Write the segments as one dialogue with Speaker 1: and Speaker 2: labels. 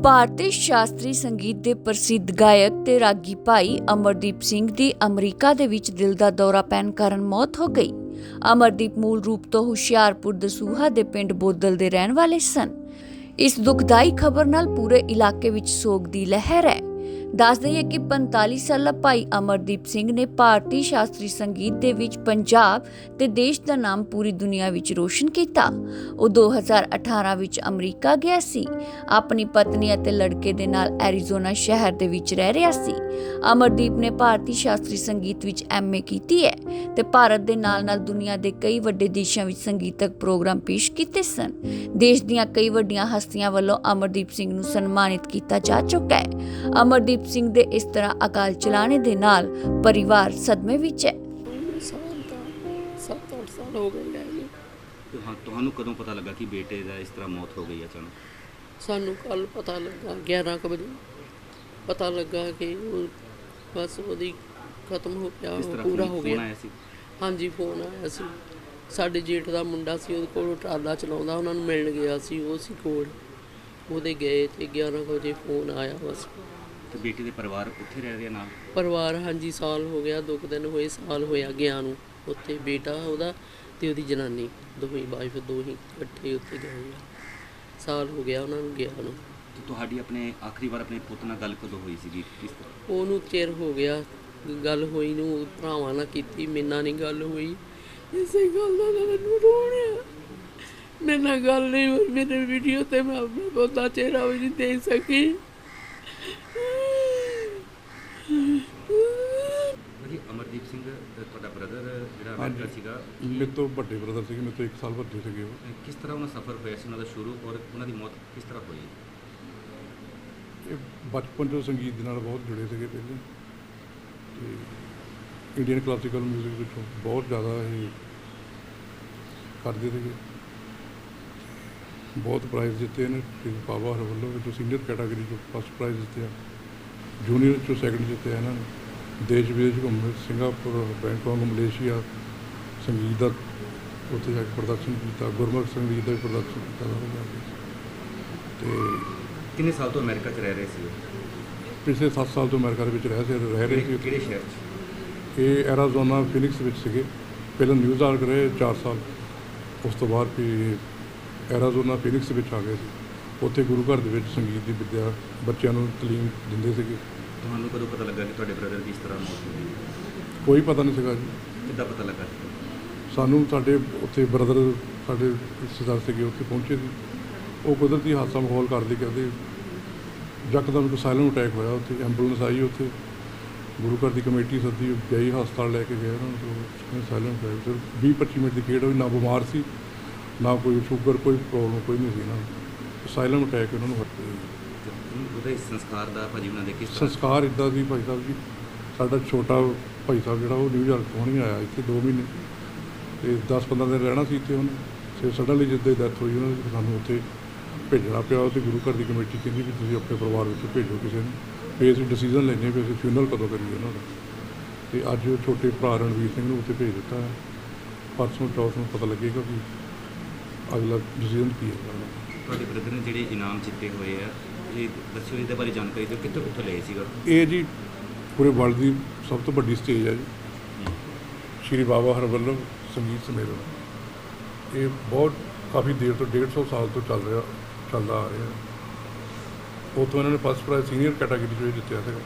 Speaker 1: ਭਾਰਤੀ ਸ਼ਾਸਤਰੀ ਸੰਗੀਤ ਦੇ ਪ੍ਰਸਿੱਧ ਗਾਇਕ ਤੇ ਰਾਗੀ ਭਾਈ ਅਮਰਦੀਪ ਸਿੰਘ ਦੀ ਅਮਰੀਕਾ ਦੇ ਵਿੱਚ ਦਿਲ ਦਾ ਦੌਰਾ ਪੈਣ ਕਾਰਨ ਮੌਤ ਹੋ ਗਈ। ਅਮਰਦੀਪ ਮੂਲ ਰੂਪ ਤੋਂ ਹੁਸ਼ਿਆਰਪੁਰ ਦਸੂਹਾ ਦੇ ਪਿੰਡ ਬੋਦਲ ਦੇ ਰਹਿਣ ਵਾਲੇ ਸਨ। ਇਸ ਦੁਖਦਾਈ ਖਬਰ ਨਾਲ ਪੂਰੇ ਇਲਾਕੇ ਵਿੱਚ ਸੋਗ ਦੀ ਲਹਿਰ ਹੈ। ਦੱਸ ਦਈਏ ਕਿ 45 ਸਾਲਾ ਭਾਈ ਅਮਰਦੀਪ ਸਿੰਘ ਨੇ ਭਾਰਤੀ ਸ਼ਾਸਤਰੀ ਸੰਗੀਤ ਦੇ ਵਿੱਚ ਪੰਜਾਬ ਤੇ ਦੇਸ਼ ਦਾ ਨਾਮ ਪੂਰੀ ਦੁਨੀਆ ਵਿੱਚ ਰੋਸ਼ਨ ਕੀਤਾ। ਉਹ 2018 ਵਿੱਚ ਅਮਰੀਕਾ ਗਿਆ ਸੀ। ਆਪਣੀ ਪਤਨੀ ਅਤੇ ਲੜਕੇ ਦੇ ਨਾਲ ਐਰੀਜ਼ੋਨਾ ਸ਼ਹਿਰ ਦੇ ਵਿੱਚ ਰਹਿ ਰਿਹਾ ਸੀ। ਅਮਰਦੀਪ ਨੇ ਭਾਰਤੀ ਸ਼ਾਸਤਰੀ ਸੰਗੀਤ ਵਿੱਚ MA ਕੀਤੀ ਹੈ ਤੇ ਭਾਰਤ ਦੇ ਨਾਲ-ਨਾਲ ਦੁਨੀਆ ਦੇ ਕਈ ਵੱਡੇ ਦੇਸ਼ਾਂ ਵਿੱਚ ਸੰਗੀਤਕ ਪ੍ਰੋਗਰਾਮ ਪੇਸ਼ ਕੀਤੇ ਸਨ। ਦੇਸ਼ ਦੀਆਂ ਕਈ ਵੱਡੀਆਂ ਹਸਤੀਆਂ ਵੱਲੋਂ ਅਮਰਦੀਪ ਸਿੰਘ ਨੂੰ ਸਨਮਾਨਿਤ ਕੀਤਾ ਜਾ ਚੁੱਕਾ ਹੈ। ਅਮਰਦੀਪ ਸਿੰਘ ਦੇ ਇਸ ਤਰ੍ਹਾਂ ਅਕਾਲ ਚਲਾਣੇ ਦੇ ਨਾਲ ਪਰਿਵਾਰ ਸਦਮੇ ਵਿੱਚ ਹੈ।
Speaker 2: 7-8 ਸਾਲ ਹੋ ਗਏ ਹੈ ਜੀ।
Speaker 3: ਤੁਹਾਨੂੰ ਕਦੋਂ ਪਤਾ ਲੱਗਾ ਕਿ ਬੇਟੇ ਦਾ ਇਸ ਤਰ੍ਹਾਂ ਮੌਤ ਹੋ ਗਈ ਅਚਾਨਕ?
Speaker 2: ਸਾਨੂੰ ਕੱਲ ਪਤਾ ਲੱਗਾ 11 ਕੁ ਵਜੇ ਪਤਾ ਲੱਗਾ ਕਿ ਉਹ ਬਸ ਉਹਦੀ ਖਤਮ ਹੋ ਗਿਆ, ਪੂਰਾ ਹੋ ਗਿਆ। ਹਾਂਜੀ, ਫੋਨ ਆਇਆ ਸੀ। ਸਾਡੇ ਜੇਠ ਦਾ ਮੁੰਡਾ ਸੀ, ਉਹਦੇ ਕੋਲ ਟਰਾਲਾ ਚਲਾਉਂਦਾ, ਉਹਨਾਂ ਨੂੰ ਮਿਲਣ ਗਿਆ ਸੀ। ਉਹ ਸੀ ਕੋਲ, ਉਹਦੇ ਗਏ ਤੇ 11 ਵਜੇ ਫੋਨ ਆਇਆ ਬਸ।
Speaker 3: ਤੇ ਬੇਟੇ ਦੇ ਪਰਿਵਾਰ ਉੱਥੇ ਰਹਿ ਰਿਹਾ ਨਾਲ?
Speaker 2: ਪਰਿਵਾਰ ਹਾਂਜੀ, ਸਾਲ ਹੋ ਗਿਆ, 2 ਦਿਨ ਹੋਏ, ਸਾਲ ਹੋਇਆ ਗਿਆ ਨੂੰ। ਉੱਥੇ ਬੇਟਾ ਉਹਦਾ ਤੇ ਉਹਦੀ ਜਨਾਨੀ ਦੋਵੇਂ ਵਾਈਫ ਦੋਹੀਂ ਇਕੱਠੇ ਉੱਥੇ ਗਏ ਆ। ਸਾਲ ਹੋ ਗਿਆ ਉਹਨਾਂ ਨੂੰ ਗਿਆ ਨੂੰ।
Speaker 3: ਤੇ ਤੁਹਾਡੀ ਆਪਣੇ ਆਖਰੀ ਵਾਰ ਆਪਣੇ ਪੁੱਤ ਨਾਲ ਗੱਲ ਕਦੋਂ ਹੋਈ ਸੀਗੀ? ਕਿਸ ਤਰ੍ਹਾਂ?
Speaker 2: ਉਹਨੂੰ ਚਿਰ ਹੋ ਗਿਆ ਗੱਲ ਹੋਈ ਨੂੰ, ਭਰਾਵਾਂ ਨਾਲ ਕੀਤੀ, ਮੇਰੇ ਨਾਲ ਨਹੀਂ ਗੱਲ ਹੋਈ। ਇਸੇ ਗੱਲ ਦਾ ਮੈਨੂੰ ਰੋਣਾ, ਮੇਰੇ ਨਾਲ ਗੱਲ ਨਹੀਂ ਹੋਈ। ਮੇਰੇ ਵੀਡੀਓ ਤੇ ਮੈਂ ਆਪਣਾ ਬਹੁਤਾ ਚਿਹਰਾ ਵੀ ਨਹੀਂ ਦੇ ਸਕੀ।
Speaker 3: ਅਮਰਦੀਪ ਸਿੰਘ ਤੁਹਾਡਾ ਬ੍ਰਦਰ ਜਿਹੜਾ ਅਮਰੀਕਾ ਸੀਗਾ,
Speaker 4: ਮੇਰੇ ਤੋਂ ਵੱਡੇ ਬ੍ਰਦਰ ਸੀਗੇ, ਮੇਰੇ ਤੋਂ 1 ਸਾਲ ਵੱਡੇ ਸੀਗੇ ਉਹ।
Speaker 3: ਕਿਸ ਤਰ੍ਹਾਂ ਉਹਨਾਂ ਸਫ਼ਰ ਹੋਇਆ ਸੀ ਉਹਨਾਂ ਦਾ ਸ਼ੁਰੂ, ਔਰ ਉਹਨਾਂ ਦੀ ਮੌਤ ਕਿਸ ਤਰ੍ਹਾਂ ਹੋਈ?
Speaker 4: ਇਹ ਬਚਪਨ ਤੋਂ ਸੰਗੀਤ ਦੇ ਨਾਲ ਬਹੁਤ ਜੁੜੇ ਸੀਗੇ ਪਹਿਲੇ, ਤੇ ਇੰਡੀਅਨ ਕਲਾਸੀਕਲ ਮਿਊਜ਼ਿਕ ਵਿੱਚੋਂ ਬਹੁਤ ਜ਼ਿਆਦਾ ਇਹ ਕਰਦੇ ਸੀਗੇ। ਬਹੁਤ ਪ੍ਰਾਈਜ਼ ਜਿੱਤੇ ਨੇ ਬਾਬਾ ਹਰ ਵੱਲੋਂ ਵਿੱਚੋਂ ਸੀਨੀਅਰ ਕੈਟਾਗਰੀ 'ਚੋਂ ਫਸਟ ਪ੍ਰਾਈਜ਼ ਜਿੱਤਿਆ, ਜੂਨੀਅਰ 'ਚੋਂ ਸੈਕਿੰਡ ਜਿੱਤਿਆ ਇਹਨਾਂ ਨੇ। ਦੇਸ਼ ਵਿਦੇਸ਼ ਘੁੰਮੇ, ਸਿੰਗਾਪੁਰ, ਬੈਂਕਾਕ, ਮਲੇਸ਼ੀਆ ਸੰਗੀਤ ਦਾ ਉੱਥੇ ਜਾ ਕੇ ਪ੍ਰਦਰਸ਼ਨ ਕੀਤਾ, ਗੁਰਮੁਖ ਸੰਗੀਤ ਦਾ ਵੀ ਪ੍ਰਦਰਸ਼ਨ ਕੀਤਾ। ਅਤੇ
Speaker 3: ਕਿੰਨੇ ਸਾਲ ਤੋਂ ਅਮਰੀਕਾ 'ਚ ਰਹਿ ਰਹੇ ਸੀ?
Speaker 4: ਪਿਛਲੇ 7 ਸਾਲ ਤੋਂ ਅਮਰੀਕਾ ਦੇ ਵਿੱਚ ਰਹਿ ਰਹੇ ਸੀ।
Speaker 3: ਕਿਹੜੇ ਸ਼ਹਿਰ 'ਚ?
Speaker 4: ਇਹ ਐਰਾਜ਼ੋਨਾ ਫੀਨਿਕਸ ਵਿੱਚ ਸੀਗੇ। ਪਹਿਲਾਂ ਨਿਊਯਾਰਕ ਰਹੇ 4 ਸਾਲ, ਉਸ ਤੋਂ ਬਾਅਦ ਫਿਰ ਐਰਾਜ਼ੋਨਾ ਫੀਨਿਕਸ ਵਿੱਚ ਆ ਗਏ ਸੀ। ਉੱਥੇ ਗੁਰੂ ਘਰ ਦੇ ਵਿੱਚ ਸੰਗੀਤ ਦੀ ਵਿੱਦਿਆ ਬੱਚਿਆਂ ਨੂੰ ਤਾਲੀਮ ਦਿੰਦੇ ਸੀਗੇ।
Speaker 3: ਤੁਹਾਨੂੰ ਕਦੋਂ ਪਤਾ ਲੱਗਾ ਕਿ ਤੁਹਾਡੇ ਬ੍ਰਦਰ ਦੀ ਇਸ ਤਰ੍ਹਾਂ ਮੌਤ ਹੋ ਗਈ?
Speaker 4: ਕੋਈ ਪਤਾ ਨਹੀਂ ਸੀਗਾ ਜੀ।
Speaker 3: ਕਿੱਦਾਂ ਪਤਾ ਲੱਗਾ?
Speaker 4: ਸਾਨੂੰ ਸਾਡੇ ਉੱਥੇ ਬ੍ਰਦਰ ਸਾਡੇ ਰਿਸ਼ਤੇਦਾਰ ਸੀਗੇ, ਉੱਥੇ ਪਹੁੰਚੇ ਸੀ। ਉਹ ਕੁਦਰਤੀ ਹਾਦਸਾ ਮਾਹੌਲ ਕਰਦੇ ਯਕਦਮ ਇੱਕ ਸਾਇਲੈਂਟ ਅਟੈਕ ਹੋਇਆ। ਉੱਥੇ ਐਂਬੂਲੈਂਸ ਆਈ, ਉੱਥੇ ਗੁਰੂ ਘਰ ਦੀ ਕਮੇਟੀ ਸੱਦੀ ਗਈ, ਹਸਪਤਾਲ ਲੈ ਕੇ ਗਏ ਉਹਨਾਂ ਨੂੰ। ਸਾਇਲੈਂਟ ਅਟੈਕ, ਸਿਰਫ 20-25 ਮਿੰਟ ਦੀ ਖੇਡ ਹੋਈ। ਨਾ ਬਿਮਾਰ ਸੀ, ਨਾ ਕੋਈ ਸ਼ੂਗਰ, ਕੋਈ ਪ੍ਰੋਬਲਮ ਕੋਈ ਨਹੀਂ ਸੀ ਇਹਨਾਂ ਨੂੰ। ਸਾਇਲੈਂਟ ਅਟੈਕ ਉਹਨਾਂ ਨੂੰ ਹੋਇਆ।
Speaker 3: ਉਹਦੇ ਸੰਸਕਾਰ ਦਾ ਭਾਜੀ ਉਹਨਾਂ ਦੇ ਕਿਸ ਤਰ੍ਹਾਂ?
Speaker 4: ਸੰਸਕਾਰ ਇੱਦਾਂ ਸੀ ਭਾਈ ਸਾਹਿਬ ਜੀ, ਸਾਡਾ ਛੋਟਾ ਭਾਈ ਸਾਹਿਬ ਜਿਹੜਾ ਉਹ ਨਿਊਯਾਰਕ ਤੋਂ ਨਹੀਂ ਆਇਆ ਇੱਥੇ 2 ਮਹੀਨੇ, ਅਤੇ 10-15 ਦਿਨ ਰਹਿਣਾ ਸੀ ਇੱਥੇ ਉਹਨੇ। ਫਿਰ ਸਡਨਲੀ ਜਿੱਦਾਂ ਹੀ ਡੈਥ ਹੋਈ ਉਹਨਾਂ ਦੀ, ਸਾਨੂੰ ਉੱਥੇ ਭੇਜਣਾ ਪਿਆ। ਉੱਥੇ ਗੁਰੂ ਘਰ ਦੀ ਕਮੇਟੀ ਕਹਿੰਦੀ ਵੀ ਤੁਸੀਂ ਆਪਣੇ ਪਰਿਵਾਰ ਵਿੱਚ ਭੇਜੋ ਕਿਸੇ ਨੂੰ, ਫਿਰ ਅਸੀਂ ਡਿਸੀਜ਼ਨ ਲੈਂਦੇ ਵੀ ਅਸੀਂ ਫਿਊਨਰਲ ਕਦੋਂ ਕਰੀਏ ਉਹਨਾਂ ਦਾ। ਅਤੇ ਅੱਜ ਛੋਟੇ ਭਰਾ ਰਣਵੀਰ ਸਿੰਘ ਨੂੰ ਉੱਥੇ ਭੇਜ ਦਿੱਤਾ ਹੈ। ਪਰਸੋਂ ਚੌਥ ਨੂੰ ਪਤਾ ਲੱਗੇਗਾ ਵੀ ਅਗਲਾ ਡਿਸੀਜ਼ਨ ਕੀ ਹੈ।
Speaker 3: ਤੁਹਾਡੇ ਬ੍ਰਦਰ ਨੇ ਜਿਹੜੇ ਇਨਾਮ ਜਿੱਤੇ ਹੋਏ ਆ, ਇਹ ਦੱਸਿਓ, ਇਹਦੇ ਬਾਰੇ ਜਾਣਕਾਰੀ ਦਿਓ, ਕਿੱਥੋਂ ਲਏ ਸੀਗਾ? ਇਹ
Speaker 4: ਜੀ ਪੂਰੇ ਵਰਲਡ ਦੀ ਸਭ ਤੋਂ ਵੱਡੀ ਸਟੇਜ ਹੈ ਜੀ, ਸ਼੍ਰੀ ਬਾਬਾ ਹਰਵੱਲਭ ਸੰਗੀਤ ਸੰਮੇਲਨ। ਇਹ ਬਹੁਤ ਕਾਫੀ ਦੇਰ ਤੋਂ 150 ਸਾਲ ਤੋਂ ਚੱਲਦਾ ਆ ਰਿਹਾ। ਉੱਥੋਂ ਇਹਨਾਂ ਨੇ ਫਸਟ ਪ੍ਰਾਈਜ਼ ਸੀਨੀਅਰ ਕੈਟਾਗਰੀ 'ਚੋਂ ਇਹ ਜਿੱਤਿਆ ਸੀਗਾ,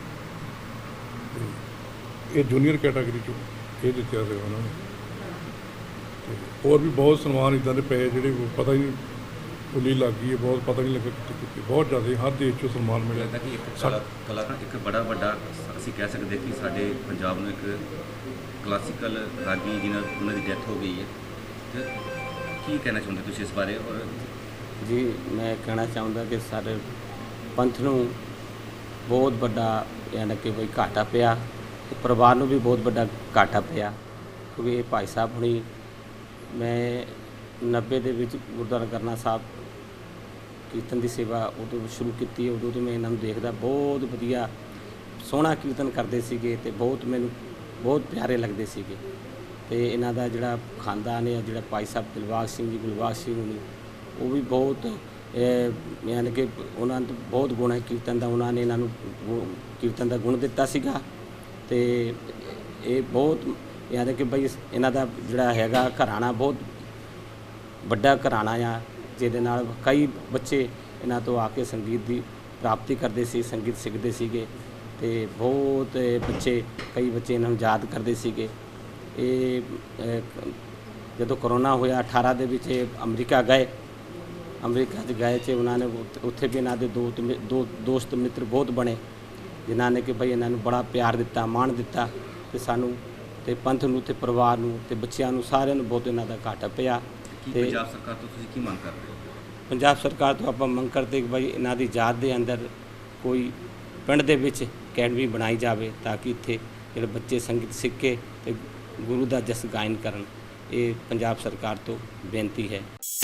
Speaker 4: ਅਤੇ ਇਹ ਜੂਨੀਅਰ ਕੈਟਾਗਰੀ 'ਚੋਂ ਇਹ ਜਿੱਤਿਆ ਸੀਗਾ ਉਹਨਾਂ ਨੇ। ਅਤੇ ਹੋਰ ਵੀ ਬਹੁਤ ਸਨਮਾਨ ਇੱਦਾਂ ਦੇ ਪਏ ਜਿਹੜੇ ਪਤਾ ਹੀ ਨਹੀਂ, ਉੱਲੀ ਲੱਗ ਗਈ ਹੈ, ਬਹੁਤ ਪਤਾ ਨਹੀਂ ਲੱਗਾ ਕਿੱਥੇ ਬਹੁਤ ਜ਼ਿਆਦਾ ਹਰ ਦੇਸ਼ 'ਚੋਂ ਸਨਮਾਨ ਮਿਲਿਆ।
Speaker 3: ਲੱਗਦਾ ਕਿ ਇੱਕ ਬੜਾ ਵੱਡਾ ਅਸੀਂ ਕਹਿ ਸਕਦੇ ਕਿ ਸਾਡੇ ਪੰਜਾਬ ਨੂੰ ਇੱਕ ਕਲਾਸੀਕਲ ਰਾਗੀ ਜਿਹਨਾਂ ਉਹਨਾਂ ਦੀ ਡੈਥ ਹੋ ਗਈ ਹੈ, ਅਤੇ ਕੀ ਕਹਿਣਾ ਚਾਹੁੰਦੇ ਤੁਸੀਂ ਇਸ ਬਾਰੇ? ਔਰ
Speaker 5: ਜੀ ਮੈਂ ਕਹਿਣਾ ਚਾਹੁੰਦਾ ਕਿ ਸਾਡੇ ਪੰਥ ਨੂੰ ਬਹੁਤ ਵੱਡਾ ਯਾਨੀ ਕਿ ਕੋਈ ਘਾਟਾ ਪਿਆ, ਪਰਿਵਾਰ ਨੂੰ ਵੀ ਬਹੁਤ ਵੱਡਾ ਘਾਟਾ ਪਿਆ, ਕਿਉਂਕਿ ਇਹ ਭਾਈ ਸਾਹਿਬ ਹੁਣੀ ਮੈਂ 90 ਦੇ ਵਿੱਚ ਗੁਰਦੁਆਰਾ ਕਰਨਾ ਸਾਹਿਬ ਕੀਰਤਨ ਦੀ ਸੇਵਾ ਉਦੋਂ ਸ਼ੁਰੂ ਕੀਤੀ। ਉਦੋਂ ਤੋਂ ਮੈਂ ਇਹਨਾਂ ਨੂੰ ਦੇਖਦਾ, ਬਹੁਤ ਵਧੀਆ ਸੋਹਣਾ ਕੀਰਤਨ ਕਰਦੇ ਸੀਗੇ ਅਤੇ ਮੈਨੂੰ ਬਹੁਤ ਪਿਆਰੇ ਲੱਗਦੇ ਸੀਗੇ। ਅਤੇ ਇਹਨਾਂ ਦਾ ਜਿਹੜਾ ਖਾਨਦਾਨ ਹੈ, ਜਿਹੜਾ ਭਾਈ ਸਾਹਿਬ ਦਿਲਬਾਗ ਸਿੰਘ ਜੀ, ਗੁਲਬਾਗ ਸਿੰਘ ਹੁਣੀ, ਉਹ ਵੀ ਬਹੁਤ ਯਾਨੀ ਕਿ ਉਹਨਾਂ ਨੂੰ ਬਹੁਤ ਗੁਣ ਹੈ ਕੀਰਤਨ ਦਾ, ਉਹਨਾਂ ਨੇ ਇਹਨਾਂ ਨੂੰ ਕੀਰਤਨ ਦਾ ਗੁਣ ਦਿੱਤਾ ਸੀਗਾ। ਤੇ ਇਹ ਬਹੁਤ ਯਾਨੀ ਕਿ ਬਈ ਇਹਨਾਂ ਦਾ ਜਿਹੜਾ ਹੈਗਾ ਘਰਾਣਾ ਬਹੁਤ ਵੱਡਾ ਘਰਾਣਾ ਆ, ਜਿਹਦੇ ਨਾਲ ਕਈ ਬੱਚੇ ਇਹਨਾਂ ਤੋਂ ਆ ਕੇ ਸੰਗੀਤ ਦੀ ਪ੍ਰਾਪਤੀ ਕਰਦੇ ਸੀ, ਸੰਗੀਤ ਸਿੱਖਦੇ ਸੀਗੇ ਤੇ ਬਹੁਤ ਬੱਚੇ ਕਈ ਬੱਚੇ ਇਹਨਾਂ ਨੂੰ ਯਾਦ ਕਰਦੇ ਸੀਗੇ। ਇਹ ਜਦੋਂ ਕਰੋਨਾ ਹੋਇਆ 18 ਦੇ ਵਿੱਚ ਇਹ ਅਮਰੀਕਾ 'ਚ ਗਏ 'ਚ ਉਹਨਾਂ ਨੇ ਉੱਥੇ ਵੀ ਇਹਨਾਂ ਦੇ ਦੋ ਦੋਸਤ ਮਿੱਤਰ ਬਹੁਤ ਬਣੇ, ਜਿਨ੍ਹਾਂ ਨੇ ਕਿ ਭਈ ਇਹਨਾਂ ਨੂੰ ਬੜਾ ਪਿਆਰ ਦਿੱਤਾ, ਮਾਣ ਦਿੱਤਾ ਤੇ ਸਾਨੂੰ ਤੇ ਪੰਥ ਨੂੰ ਤੇ ਪਰਿਵਾਰ ਨੂੰ ਤੇ ਬੱਚਿਆਂ ਨੂੰ ਸਾਰਿਆਂ ਨੂੰ ਬਹੁਤ ਇਹਨਾਂ ਦਾ ਘਾਟਾ ਪਿਆ।
Speaker 3: ਕੀ
Speaker 5: ਤੇ
Speaker 3: ਪੰਜਾਬ ਸਰਕਾਰ ਤੋਂ ਤੁਸੀਂ ਕੀ ਮੰਗ ਕਰਦੇ ਹੋ?
Speaker 5: ਪੰਜਾਬ ਸਰਕਾਰ ਤੋਂ ਆਪਾਂ ਮੰਗ ਕਰਦੇ ਕਿ ਭਾਈ ਇਹਨਾਂ ਦੀ ਯਾਦ ਦੇ ਅੰਦਰ ਕੋਈ ਪਿੰਡ ਦੇ ਵਿੱਚ ਅਕੈਡਮੀ ਬਣਾਈ ਜਾਵੇ ਤਾਂ ਕਿ ਇੱਥੇ ਜਿਹੜੇ ਬੱਚੇ ਸੰਗੀਤ ਸਿੱਖ ਕੇ ਤੇ ਗੁਰੂ ਦਾ ਜਸ ਗਾਇਨ ਕਰਨ। ਇਹ ਪੰਜਾਬ ਸਰਕਾਰ ਤੋਂ ਬੇਨਤੀ ਹੈ।